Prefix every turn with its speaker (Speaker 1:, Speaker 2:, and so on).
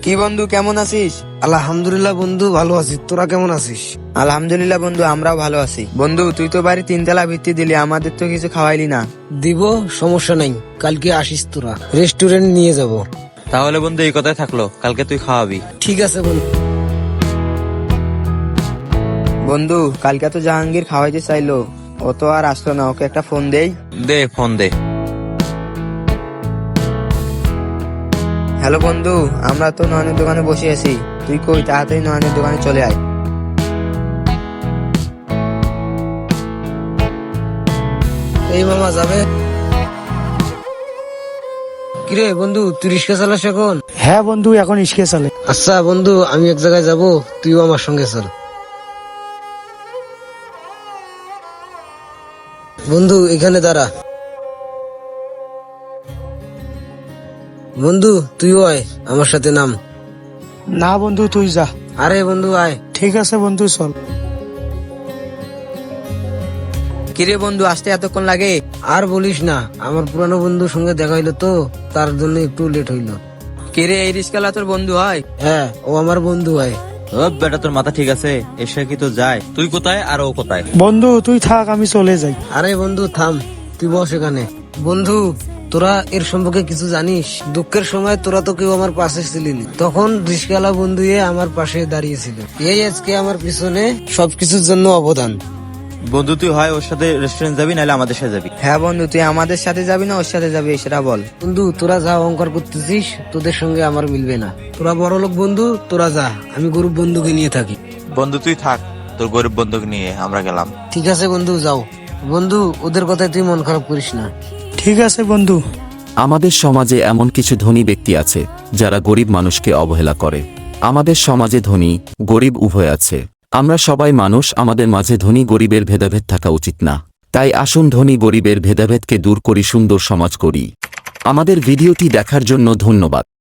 Speaker 1: কি বন্ধু, কেমন আছিস?
Speaker 2: আলহামদুলিল্লাহ বন্ধু, ভালো আছি। তোরা কেমন আছিস?
Speaker 1: আলহামদুলিল্লাহ বন্ধু, আমরাও ভালো আছি। বন্ধু, তুই তো বাড়ি 3 তলা ভিত্তি দিলি, আমাদের তো কিছু খাওয়াইলি না।
Speaker 2: দিব, সমস্যা নাই। কালকে আসিস তোরা, রেস্টুরেন্ট নিয়ে যাব।
Speaker 3: তাহলে বন্ধু এই কথাই থাকলো, কালকে তুই খাওয়াবি।
Speaker 2: ঠিক আছে বন্ধু।
Speaker 1: বন্ধু, কালকে তো জাহাঙ্গীর খাওয়াইতে চাইলো, ও তো আর আসলো না। ওকে একটা ফোন দেই।
Speaker 3: দে ফোন দে।
Speaker 1: হ্যালো বন্ধু, আমরা তো নয়নের দোকানে বসে আছি। তুই কই, তাড়াতাড়ি নয়নের দোকানে চলে আয়।
Speaker 2: এই মামা যাবে? কিরে বন্ধু, তুই রিক্সা চালাস এখন?
Speaker 4: হ্যাঁ বন্ধু, এখন ইস্কে চলে।
Speaker 2: আচ্ছা বন্ধু, আমি এক জায়গায় যাব, তুইও আমার সঙ্গে চল। বন্ধু এখানে দাঁড়া। বন্ধু তুইও আয়, আমার সাথে নাম।
Speaker 4: না বন্ধু, তুই যা।
Speaker 2: আরে বন্ধু আয়।
Speaker 4: ঠিক আছে বন্ধু, চল।
Speaker 1: কিরে বন্ধু, আসতে এতক্ষণ লাগে?
Speaker 2: আর বলিস না, আমার পুরানো বন্ধুর সঙ্গে দেখা হইলো তো, তার জন্য একটু লেট হইলো।
Speaker 1: কিরে, এই রিস্কালা তোর বন্ধু হয়?
Speaker 2: হ্যাঁ, ও আমার বন্ধু হয়।
Speaker 3: ও বেটা, তোর মাথা ঠিক আছে? এসে কি তো যায়? তুই কোথায় আর ও কোথায়?
Speaker 4: বন্ধু তুই থাক, আমি চলে যাই।
Speaker 2: আরে বন্ধু থাম, তুই বস এখানে। বন্ধু, তোরা এর সম্পর্কে কিছু জানিস? দুঃখের সময় তোরা তো কেউ আমার পাশে ছিলি না, তখন রিস্কালা বন্ধু আমার পাশে দাঁড়িয়েছিল। এই আজকে আমার পিছনে সবকিছুর জন্য অবদান।
Speaker 3: বন্ধু তুই হয় ওর সাথে রেস্টুরেন্ট যাবি, নাহলে আমাদের সাথে যাবি।
Speaker 1: হ্যাঁ বন্ধু, তুই আমাদের সাথে যাবি না ওর সাথে যাবি, সেটা বল।
Speaker 2: বন্ধু তোরা যা অহংকার করতেছিস, তোদের সঙ্গে আমার মিলবে না। তোরা বড় লোক বন্ধু, তোরা যা, আমি গরিব বন্ধুকে নিয়ে থাকি।
Speaker 3: বন্ধু তুই থাক, তোর গরিব বন্ধুকে নিয়ে আমরা গেলাম।
Speaker 2: ঠিক আছে বন্ধু, যাও। বন্ধু, ওদের কথায় তুই মন খারাপ করিস না।
Speaker 4: ঠিক আছে বন্ধু।
Speaker 5: আমাদের সমাজে এমন কিছু ধনী ব্যক্তি আছে যারা গরিব মানুষকে অবহেলা করে। আমাদের সমাজে ধনী গরিব উভয় আছে। আমরা সবাই মানুষ, আমাদের মাঝে ধনী গরিবের ভেদাভেদ থাকা উচিত না। তাই আসুন ধনী গরিবের ভেদাভেদকে দূর করি, সুন্দর সমাজ করি। আমাদের ভিডিওটি দেখার জন্য ধন্যবাদ।